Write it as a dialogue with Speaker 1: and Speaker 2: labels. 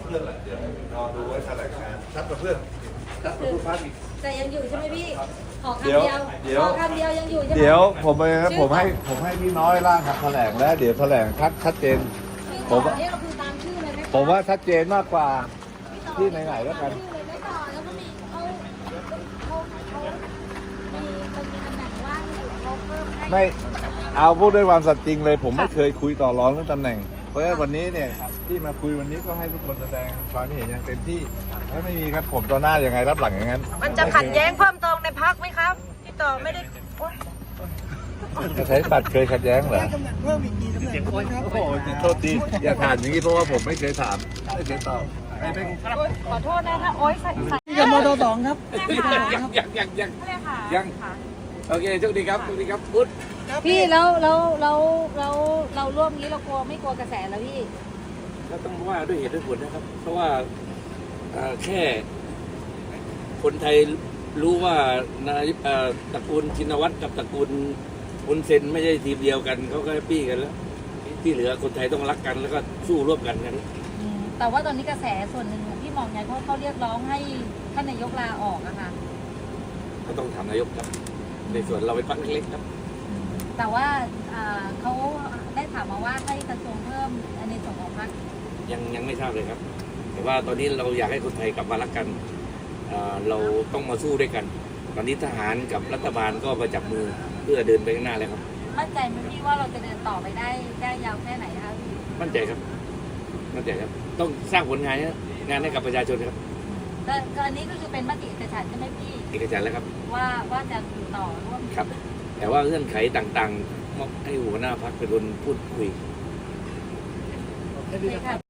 Speaker 1: เพื่อนแหละเดี๋ยวรอดูไว้แถลงการชัดกับเพื่อนชัดกับผู้พักอีก
Speaker 2: แต่ยังอยู่ใช่ไหมพี่ขอคำเดียวขอคำเดียวยังอยู่ใช่ไหม
Speaker 1: เดี๋ยวผมให้พี่น้อยร่างแถลงแล้วเดี๋ยวแถลงชัดเจนผมว่า
Speaker 2: เนี่ยก็คือตามชื่อเลยไหม
Speaker 1: ผมว่าชัดเจนมากกว่าที่ไหนๆแล้วกัน
Speaker 2: ชื่อเลยไม่ต่อแล้วก็มีเขามีตำแหน่งว่างอยู่เขาเพิ่มให้
Speaker 1: ไม่เอาพูดด้วยความสัตย์จริงเลย ผมไม่เคยคุยต่อรองเรื่องตำแหน่ง เพราะฉะนั้นวันนี้เนี่ยที่มาคุยวันนี้ก็ให้ทุกคนแสดงความเห็นอย่างเต็มที่ถ้าไม่มีครับผมต่อหน้ายังไงรับหลังอย่างนั้น
Speaker 3: มันจะขัดแย้งเพิ่มเติมในพักไหมครับพี่ต่อไม่ได้โอ๊ย
Speaker 1: จะใช้บัตรเคยขัดแย้งเหรอ
Speaker 4: เพิ่มอีกกี่ตำแหน่งครับ
Speaker 1: โอ้โหโทษทีอย่าถามอย่างนี้เพราะว่าผมไม่เคยถามไม่เคยตอบ
Speaker 3: ขอโทษนะถ้าโอ๊ยใส่
Speaker 4: กับมทสองครับ
Speaker 5: ยังโอเคโชคดีครับโชคดีครับพุทธ
Speaker 2: พี่แล้วเราร่วมนี้เรากลัวไม่กลัวกระแสแล้วพี่
Speaker 5: ก็ต้องว่าด้วยเหตุด้วยผลนะครับ เพราะว่าแค่คนไทยรู้ว่านายตระกูลชินวัตรกับตระกูลอุนเซนไม่ใช่ทีมเดียวกันเขาก็แฮปปี้กันแล้วที่เหลือคนไทยต้องรักกันแล้วก็สู้ร่วมกันกัน
Speaker 2: แต่ว่าตอนนี้กระแสส่วนหนึ่งพี่มองไงเพราะเขาเรียกร้องให้ท่านนายกลาออกอะค่ะ
Speaker 5: ก็ต้องถามนายกครับในส่วนเราเป็นพรรคเล็กๆครับ
Speaker 2: แต่ว่าเขาได้ถามมาว่าให้กระทรวงเพิ่มในส่วนของพรรค
Speaker 5: ยังไม่ทราบเลยครับ แต่ว่าตอนนี้เราอยากให้คนไทยกลับมารักกันเราต้องมาสู้ด้วยกัน ตอนนี้ทหารกับรัฐบาลก็มาจับมือเพื่อเดินไปข้างหน้าแล้วครับ
Speaker 2: มั่นใจไหมพี่ว่าเราจะเดินต่อไปได้ยาวแค่ไหนคะพี่
Speaker 5: มั่นใจครับมั่นใจครับต้องสร้างผลงานให้กับประชาชนครับ
Speaker 2: ก็อันนี้ก็คือเป็นมติเอกฉันท์ใช่ไหมพี่
Speaker 5: เอกฉันท์แล้วครับ
Speaker 2: ว่าจะอยู่ต่อร่วม
Speaker 5: ครับ แต่ว่าเงื่อนไขต่างๆมอบให้หัวหน้าพรรคเป็นคนพูดคุย
Speaker 2: ค่ะ